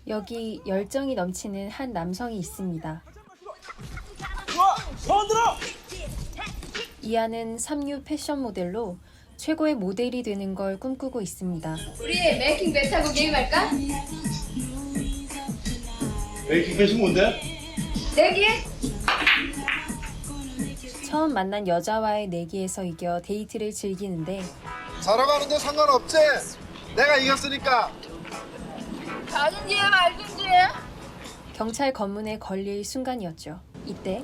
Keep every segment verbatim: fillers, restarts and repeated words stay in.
여기 열정이 넘치는 한 남성이 있습니다. 이하는 삼류 패션 모델로 최고의 모델이 되는 걸 꿈꾸고 있습니다. 우리 메이킹 배 타고 게임할까? 메이킹 배신 뭔데? 내기? 처음 만난 여자와의 내기에서 이겨 데이트를 즐기는데 자러 가는데 상관없지? 내가 이겼으니까. 가든지 말든지. 경찰 검문에 걸릴 순간이었죠. 이때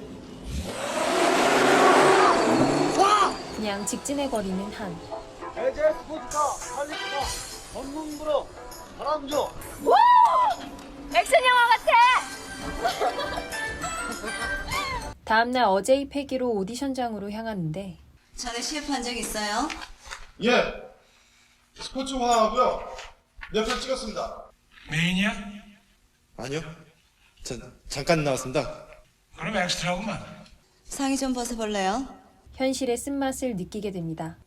그냥 직진해버리는 한. 에제 스포츠카, 할리카, 전문부로 바람 줘. 오! 액션 영화 같아. 다음날 어제의 패기로 오디션장으로 향하는데 전에 시합 한 적 있어요? 예. 스포츠화하고요. 몇 편 찍었습니다. 메인이야? 아니요. 전 잠깐 나왔습니다. 그럼 엑스트라구만. 상의 좀 벗어볼래요? 현실의 쓴맛을 느끼게 됩니다.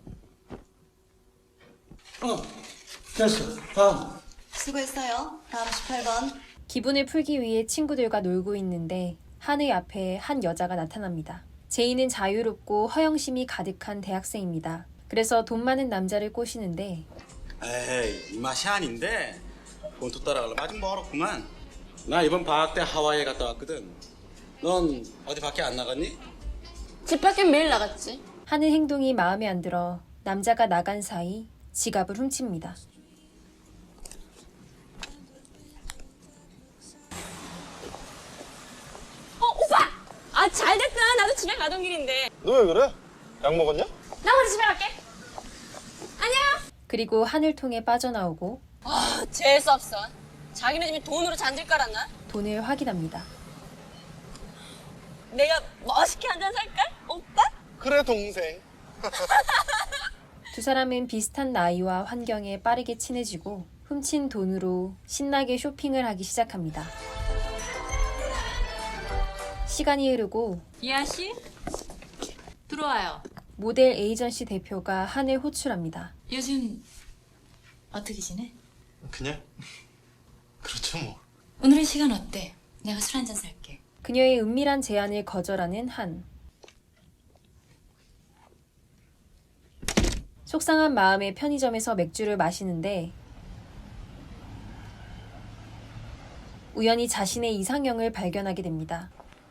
어, 됐어. 다음. 수고했어요. 다음 십팔 번. 기분을 풀기 위해 친구들과 놀고 있는데 한의 앞에 한 여자가 나타납니다. 제이는 자유롭고 허영심이 가득한 대학생입니다. 그래서 돈 많은 남자를 꼬시는데 에이, 이 맛이 아닌데 본토 따라가려면 아직 멀었구만. 나 이번 방학 때 하와이에 갔다 왔거든. 넌 어디 밖에 안 나갔니? 집 밖엔 매일 나갔지. 하는 행동이 마음에 안 들어 남자가 나간 사이 지갑을 훔칩니다. 어 오빠. 아 잘됐다. 나도 집에 가던 길인데. 너 왜 그래? 약 먹었냐? 나 먼저 집에 갈게. 안녕. 그리고 하늘 통해 빠져나오고 아 재수 없어. 자기네 집에 돈으로 잔질 깔았나? 돈을 확인합니다. 내가 멋있게 한 잔 살까? 오빠? 그래 동생. 두 사람은 비슷한 나이와 환경에 빠르게 친해지고 훔친 돈으로 신나게 쇼핑을 하기 시작합니다. 시간이 흐르고 이하 씨 들어와요. 모델 에이전시 대표가 한을 호출합니다. 요즘 어떻게 지내? 그냥 그렇죠 뭐. 오늘은 시간 어때? 내가 술 한잔 살게. 그녀의 은밀한 제안을 거절하는 한. 속상한 마음에 편의점에서 맥주를 마시는데 우연히 자신의 이상형을 발견하게 됩니다.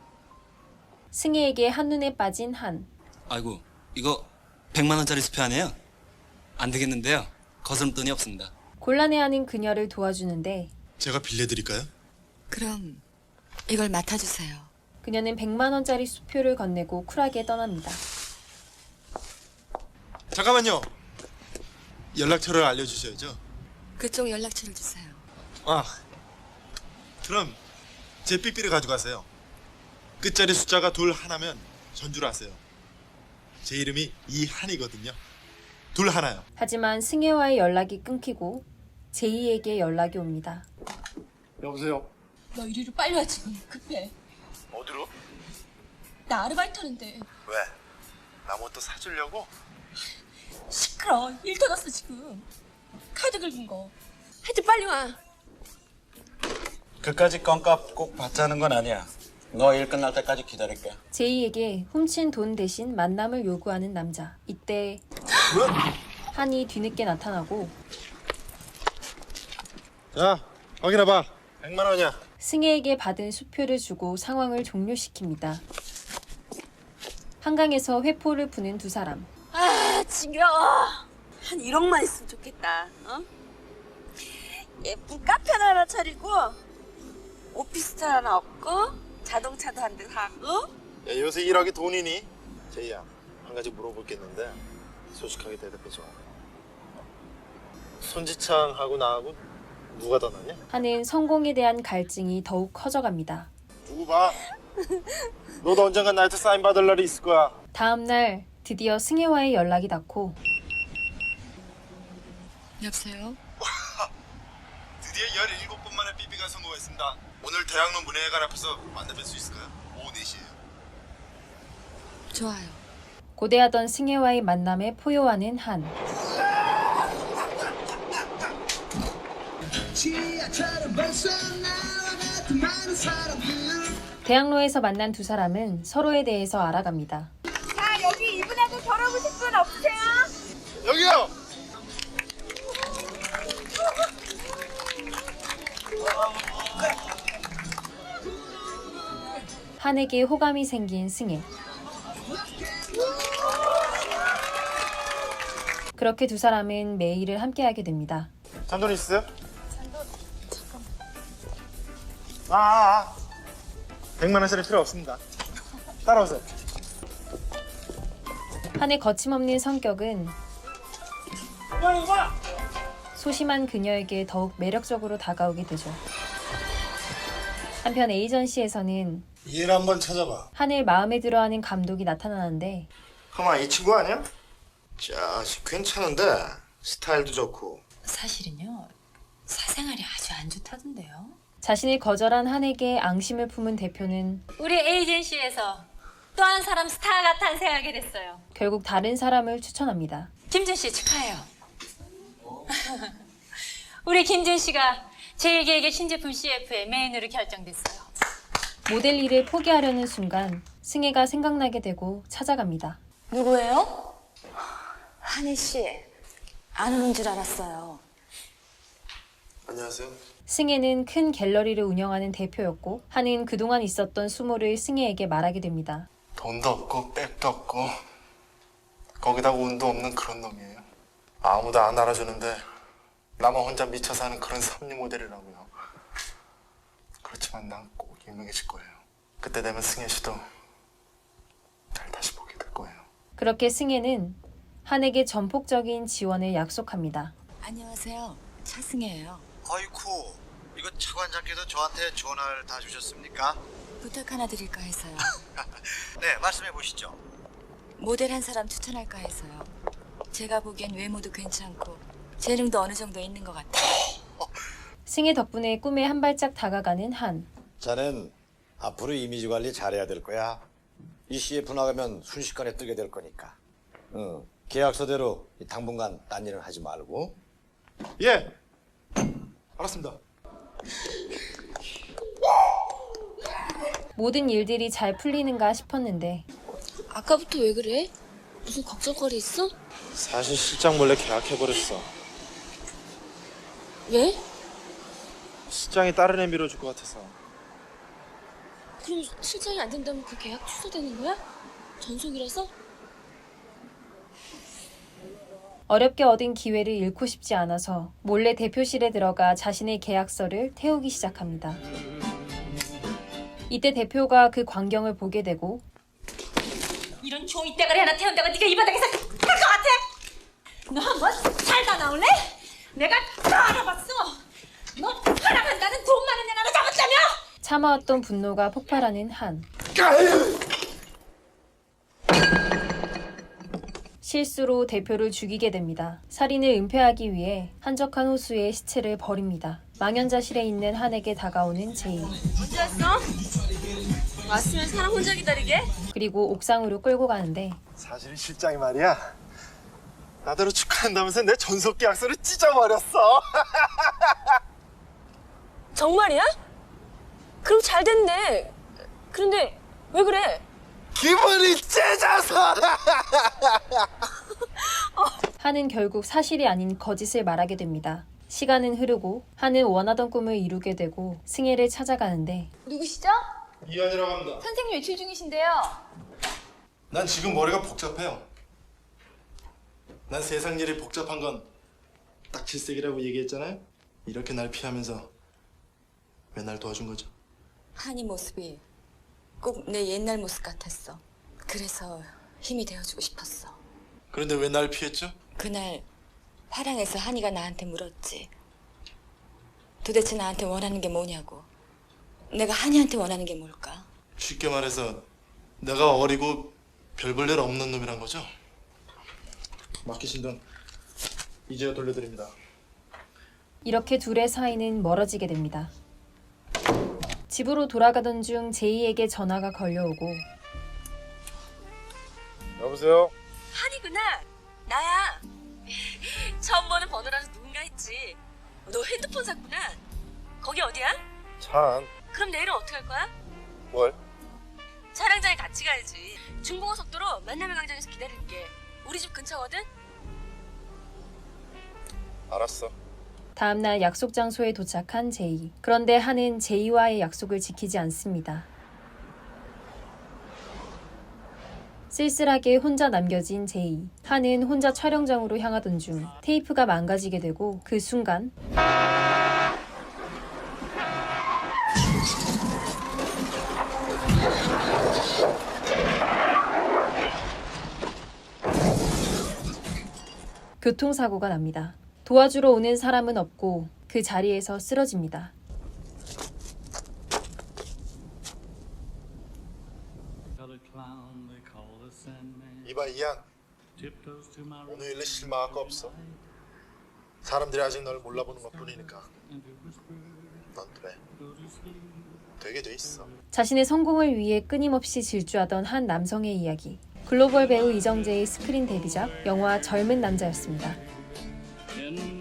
승혜에게 한눈에 빠진 한. 아이고, 이거 백만 원짜리 수표 아니에요? 안 되겠는데요. 거스름돈이 없습니다. 곤란해하는 그녀를 도와주는데 제가 빌려드릴까요? 그럼 이걸 맡아주세요. 그녀는 백만 원짜리 수표를 건네고 쿨하게 떠납니다. 잠깐만요. 연락처를 알려주셔야죠. 그쪽 연락처를 주세요. 아, 그럼 제 삐삐를 가져가세요. 끝자리 숫자가 둘 하나면 전주를 하세요. 제 이름이 이한이거든요. 둘 하나요. 하지만 승혜와의 연락이 끊기고 제이에게 연락이 옵니다. 여보세요. 너 이리로 빨리 와 지금 급해. 어디로? 나 아르바이트 하는데. 왜? 나 뭐 또 사주려고? 시끄러. 일 터졌어 지금. 카드 긁은 거. 하여튼 빨리 와. 그까지 껌값 꼭 받자는 건 아니야. 너 일 끝날 때까지 기다릴게. 제이에게 훔친 돈 대신 만남을 요구하는 남자. 이때 한이 뒤늦게 나타나고 자, 확인해봐. 백만 원이야. 승혜에게 받은 수표를 주고 상황을 종료시킵니다. 한강에서 회포를 푸는 두 사람. 아 지겨워. 한 일억만 있으면 좋겠다. 어? 예쁜 카페 하나 차리고 오피스텔 하나 얻고 자동차도 한 대 사고. 야, 요새 일하기 돈이니? 제이야, 한 가지 물어볼 게 있는데 솔직하게 대답해줘. 손지창하고 나하고 누가 더 낫냐? 한은 성공에 대한 갈증이 더욱 커져갑니다. 두고 봐. 너도 언젠간 나한테 사인 받을 날이 있을 거야. 다음 날 드디어 승혜와의 연락이 닿고 여보세요? 드디어 열일곱 번 만에 삐삐가 성공했습니다. 오늘 대학로 문예회관 앞에서 만나뵐 수 있을까요? 오후 네 시에요. 좋아요. 고대하던 승혜와의 만남에 포효하는 한. 취 대학로에서 만난 두 사람은 서로에 대해서 알아갑니다. 자, 여기 이분하고 결혼하고 싶은 분 없으세요? 여기요. 한에게 호감이 생긴 승혜. 그렇게 두 사람은 매일을 함께하게 됩니다. 잔돈 있어요? 잔돈 잠깐. 아, 아, 아. 백만 원짜리 필요 없습니다. 따라오세요. 한의 거침없는 성격은 소심한 그녀에게 더욱 매력적으로 다가오게 되죠. 한편 에이전시에서는 일 한번 찾아봐. 한을 마음에 들어하는 감독이 나타나는데 가만, 이 친구 아니야? 자식 괜찮은데 스타일도 좋고. 사실은요, 사생활이 아주 안 좋다던데요. 자신을 거절한 한에게 앙심을 품은 대표는 우리 에이전시에서 또 한 사람 스타가 탄생하게 됐어요. 결국 다른 사람을 추천합니다. 김준 씨 축하해요. 우리 김준 씨가 제일기획의 신제품 씨에프의 메인으로 결정됐어요. 모델 일을 포기하려는 순간 승혜가 생각나게 되고 찾아갑니다. 누구예요? 한혜 씨, 안 오는 줄 알았어요. 안녕하세요. 승혜는 큰 갤러리를 운영하는 대표였고 한은 그동안 있었던 수모를 승혜에게 말하게 됩니다. 돈도 없고 백도 없고 거기다가 운도 없는 그런 놈이에요. 아무도 안 알아주는데 나만 혼자 미쳐 사는 그런 섭리 모델이라고요. 그렇지만 난 꼭 유명해질 거예요. 그때 되면 승혜 씨도 날 다시 보게 될 거예요. 그렇게 승혜는 한에게 전폭적인 지원을 약속합니다. 안녕하세요, 차승혜예요. 아이쿠, 이거 차관장께서 저한테 전화를 다 주셨습니까? 부탁 하나 드릴까 해서요. 네, 말씀해 보시죠. 모델 한 사람 추천할까 해서요. 제가 보기엔 외모도 괜찮고 재능도 어느 정도 있는 것 같아요. 승혜 덕분에 꿈에 한 발짝 다가가는 한. 자넨 앞으로 이미지 관리 잘해야 될 거야. 이 씨에프 나가면 순식간에 뜨게 될 거니까. 응, 계약서대로 당분간 딴 일은 하지 말고. 예, 알았습니다. 모든 일들이 잘 풀리는가 싶었는데 아까부터 왜 그래? 무슨 걱정거리 있어? 사실 실장 몰래 계약해버렸어. 왜? 실장이 다른 애 밀어줄 것 같아서. 그럼 실장이 안 된다면 그 계약 취소되는 거야? 전속이라서? 어렵게 얻은 기회를 잃고 싶지 않아서 몰래 대표실에 들어가 자신의 계약서를 태우기 시작합니다. 이때 대표가 그 광경을 보게 되고 이런 종이 대가리 하나 태운다고 네가 이 바닥에서 할 것 같아? 너 한번 살다 나올래? 내가 다 알아봤어. 너 허락한다는 돈 많은 애 하나 잡았다며? 참아왔던 분노가 폭발하는 한. 실수로 대표를 죽이게 됩니다. 살인을 은폐하기 위해 한적한 호수에 시체를 버립니다. 망연자실에 있는 한에게 다가오는 제이. 언제 왔어? 왔으면 사람 혼자 기다리게? 그리고 옥상으로 끌고 가는데 사실 실장이 말이야, 나더러 축하한다면서 내 전속 계약서를 찢어버렸어. 정말이야? 그럼 잘 됐네. 그런데 왜 그래? 기분이 찢어서. 한은 결국 사실이 아닌 거짓을 말하게 됩니다. 시간은 흐르고 한은 원하던 꿈을 이루게 되고 승혜를 찾아가는데 누구시죠? 이현이라고 합니다. 선생님 외출 중이신데요. 난 지금 머리가 복잡해요. 난 세상 일이 복잡한 건 딱 질색이라고 얘기했잖아요. 이렇게 날 피하면서 왜 날 도와준 거죠? 한이 모습이 꼭 내 옛날 모습 같았어. 그래서 힘이 되어주고 싶었어. 그런데 왜 날 피했죠? 그날 화랑에서 한이가 나한테 물었지. 도대체 나한테 원하는 게 뭐냐고. 내가 한이한테 원하는 게 뭘까? 쉽게 말해서 내가 어리고 별 볼 일 없는 놈이란 거죠? 맡기신 돈 이제야 돌려드립니다. 이렇게 둘의 사이는 멀어지게 됩니다. 집으로 돌아가던 중 제이에게 전화가 걸려오고 여보세요? 한이구나. 나야. 처음 보는 번호라서 누군가 했지. 너 핸드폰 샀구나. 거기 어디야? 찬. 그럼 내일은 어떻게 할 거야? 뭘? 촬영장에 같이 가야지. 중봉고속도로 만남의 광장에서 기다릴게. 우리 집 근처거든? 알았어. 다음날 약속 장소에 도착한 제이. 그런데 한은 제이와의 약속을 지키지 않습니다. 쓸쓸하게 혼자 남겨진 제이. 한은 혼자 촬영장으로 향하던 중 테이프가 망가지게 되고 그 순간 교통사고가 납니다. 도와주러 오는 사람은 없고 그 자리에서 쓰러집니다. 이봐 이양. 오늘 일에 실망할 거 없어. 사람들이 아직 널 몰라보는 것뿐이니까. 넌 돼. 되게 돼 있어. 자신의 성공을 위해 끊임없이 질주하던 한 남성의 이야기. 글로벌 배우 이정재의 스크린 데뷔작 영화 젊은 남자였습니다.